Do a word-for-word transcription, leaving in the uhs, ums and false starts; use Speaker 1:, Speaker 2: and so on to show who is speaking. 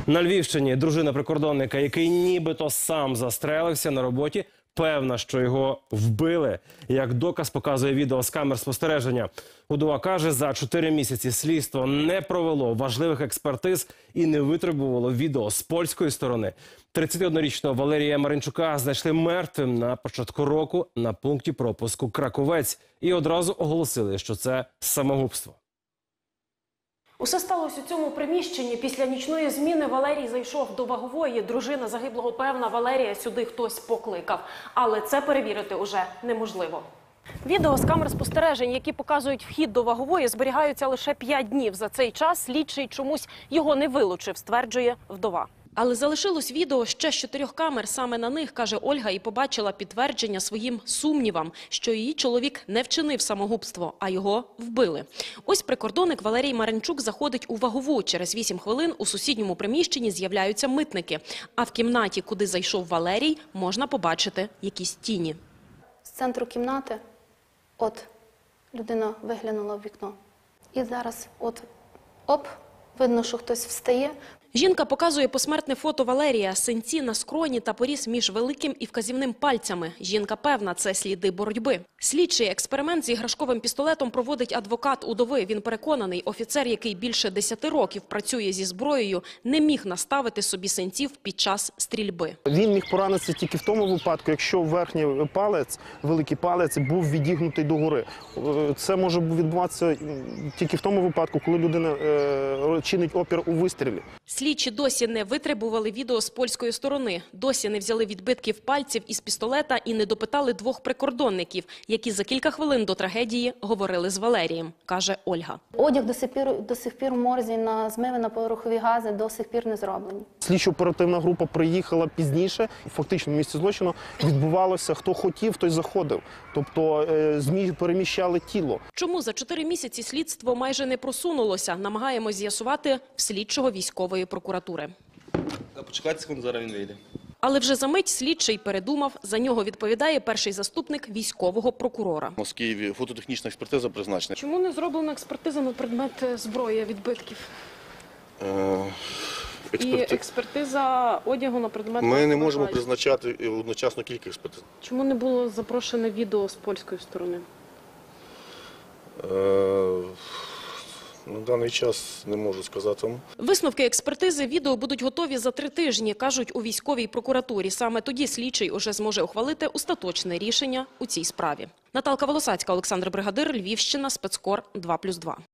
Speaker 1: На Львівщині дружина прикордонника, який нібито сам застрелився на роботі, певна, що його вбили. Як доказ показує відео з камер спостереження. Удова каже, за чотири місяці слідство не провело важливих експертиз і не витребувало відео з польської сторони. тридцятиоднорічного Валерія Маринчука знайшли мертвим на початку року на пункті пропуску Краковець. І одразу оголосили, що це самогубство.
Speaker 2: Усе сталося у цьому приміщенні. Після нічної зміни Валерій зайшов до вагової. Дружина загиблого певна, Валерія сюди хтось покликав. Але це перевірити уже неможливо. Відео з камер спостережень, які показують вхід до вагової, зберігаються лише п'ять днів. За цей час слідчий чомусь його не вилучив, стверджує вдова. Але залишилось відео ще з чотирьох камер. Саме на них, каже Ольга, і побачила підтвердження своїм сумнівам, що її чоловік не вчинив самогубство, а його вбили. Ось прикордонник Валерій Маринчук заходить у вагову. Через вісім хвилин у сусідньому приміщенні з'являються митники. А в кімнаті, куди зайшов Валерій, можна побачити якісь тіні.
Speaker 3: З центру кімнати, от, людина виглянула в вікно. І зараз, от, оп, видно, що хтось встає.
Speaker 2: Жінка показує посмертне фото Валерія, синці на скроні та поріз між великим і вказівним пальцями. Жінка певна, це сліди боротьби. Слідчий експеримент з іграшковим пістолетом проводить адвокат удови. Він переконаний, офіцер, який більше десяти років працює зі зброєю, не міг наставити собі синців під час стрільби.
Speaker 4: Він міг поранитися тільки в тому випадку, якщо верхній палець, великий палець, був відігнутий догори. Це може відбуватися тільки в тому випадку, коли людина е, чинить опір у вистрілі.
Speaker 2: Слідчі досі не витребували відео з польської сторони, досі не взяли відбитків пальців із пістолета і не допитали двох прикордонників, які за кілька хвилин до трагедії говорили з Валерієм, каже Ольга.
Speaker 3: Одяг до сих пір, до сих пір в морзі, на змиви на порохові гази до сих пір не зроблені.
Speaker 4: Слідчо-оперативна група приїхала пізніше. Фактично в місці злочину відбувалося, хто хотів, той заходив. Тобто ЗМІ переміщали тіло.
Speaker 2: Чому за чотири місяці слідство майже не просунулося, намагаємось з'ясувати в слідчого військової прокуратури.
Speaker 5: Почекайте секунду, зараз він вийде.
Speaker 2: Але вже за мить слідчий передумав, за нього відповідає перший заступник військового прокурора.
Speaker 5: У Києві фототехнічна експертиза призначена.
Speaker 2: Чому не зроблена експертиза на предмет зброї, відбитків?
Speaker 5: Е, експерти...
Speaker 2: І експертиза одягу на предмет...
Speaker 5: Ми не можемо призначати одночасно кілька експертиз.
Speaker 2: Чому не було запрошене відео з польської сторони?
Speaker 5: Е... На даний час не можу сказати вам.
Speaker 2: Висновки експертизи відео будуть готові за три тижні, кажуть у військовій прокуратурі. Саме тоді слідчий уже зможе ухвалити остаточне рішення у цій справі. Наталка Волосацька, Олександр Бригадир, Львівщина, Спецкор два плюс два.